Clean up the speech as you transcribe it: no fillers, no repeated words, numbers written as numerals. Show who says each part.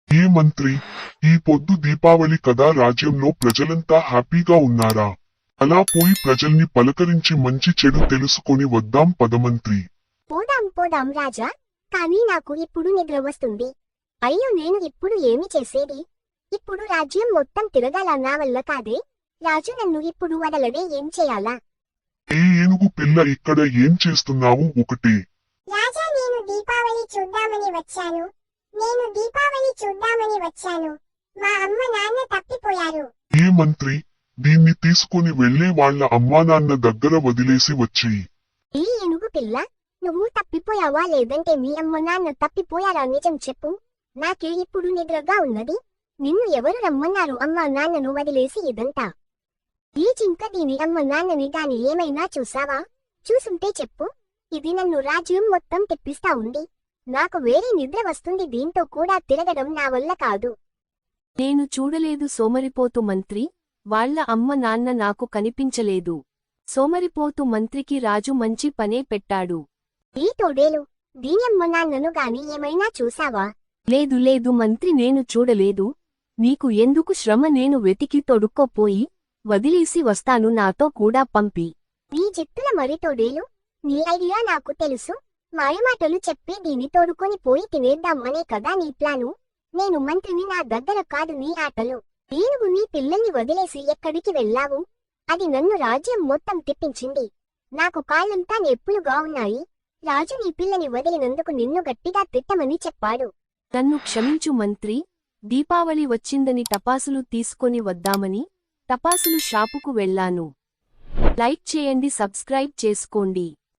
Speaker 1: ఏ మంత్రి, ఈ పొద్దు దీపావళి కదా, రాజ్యంలో ప్రజలంతా హ్యాపీగా ఉన్నారా? అలా పోయి ప్రజల్ని పలకరించి మంచి చెడు తెలుసుకొని వద్దాం పదమంత్రి.
Speaker 2: పోదాం పోదాం రాజా, కానీ నాకు ఇప్పుడు నిద్ర వస్తుంది. అయ్యో, నేను ఇప్పుడు ఏమి చేసేది? ఇప్పుడు రాజ్యం మొత్తం తిరగాల నా వల్ల కాదే. రాజు నన్ను ఇప్పుడు వదలడే, ఏం చేయాలా?
Speaker 1: ఏ ఏనుగు పిల్ల, ఇక్కడ ఏం చేస్తున్నావు? ఒకటే
Speaker 2: రాజా, నేను దీపావళి చూద్దామని వచ్చాను. మా అమ్మ నాన్న తప్పిపోయారు.
Speaker 1: ఏ మంత్రి, దీన్ని తీసుకొని వెళ్లే వాళ్ళ అమ్మానాన్న దగ్గర వదిలేసి వచ్చేయి.
Speaker 2: ఈ ఏనుగు పిల్ల, నువ్వు తప్పిపోయావా లేదంటే మీ అమ్మ నాన్న తప్పిపోయారా? నిజం చెప్పు. నాకే ఇప్పుడు నిద్రగా ఉన్నది. నిన్ను ఎవరు రమ్మన్నారు అమ్మా నాన్నను వదిలేసి ఇదంతా? ఈ జింక దీని అమ్మ నాన్నని గాని ఏమైనా చూసావా? చూసుంటే చెప్పు. ఇది నన్ను రాజ్యం మొత్తం తెప్పిస్తా ఉంది. నాకు వేరే నిద్ర వస్తుంది. దీంతో కూడా తిరగడం నా వల్ల కాదు.
Speaker 3: నేను చూడలేదు సోమరిపోతు మంత్రి, వాళ్ళ అమ్మ నాన్న నాకు కనిపించలేదు. సోమరిపోతు మంత్రికి రాజు మంచి పనే పెట్టాడు.
Speaker 2: ఈ తోడేలు, దీని అమ్మ నాన్నను గాని ఏమైనా చూసావా?
Speaker 3: లేదు లేదు మంత్రి, నేను చూడలేదు. నీకు ఎందుకు శ్రమ, నేను వెతికి తొడుక్కోపోయి వదిలేసి వస్తాను, నాతో కూడా పంపి.
Speaker 2: నీ జిత్తుల మరి తోడేలు, నీ ఐడియా నాకు తెలుసు. మాయమాటలు చెప్పి దీన్ని తోడుకొని పోయి తినేద్దాం అనే కదా నీ ప్లాను. నేను మంత్రిని, నా దగ్గర కాదు నీ ఆటలు. ఏనుగు నీ పిల్లల్ని వదిలేసి ఎక్కడికి వెళ్ళావు? అది నన్ను రాజ్యం మొత్తం తిప్పించింది. నాకు కాళ్ళంతా నొప్పులుగా ఉన్నాయి. రాజు నీ పిల్లని వదిలినందుకు నిన్ను గట్టిగా తిట్టమని చెప్పాడు.
Speaker 3: నన్ను క్షమించు మంత్రి, దీపావళి వచ్చిందని టపాసులు తీసుకొని వద్దామని టపాసులు షాపుకు వెళ్ళాను. లైక్ చేయండి, సబ్స్క్రైబ్ చేసుకోండి.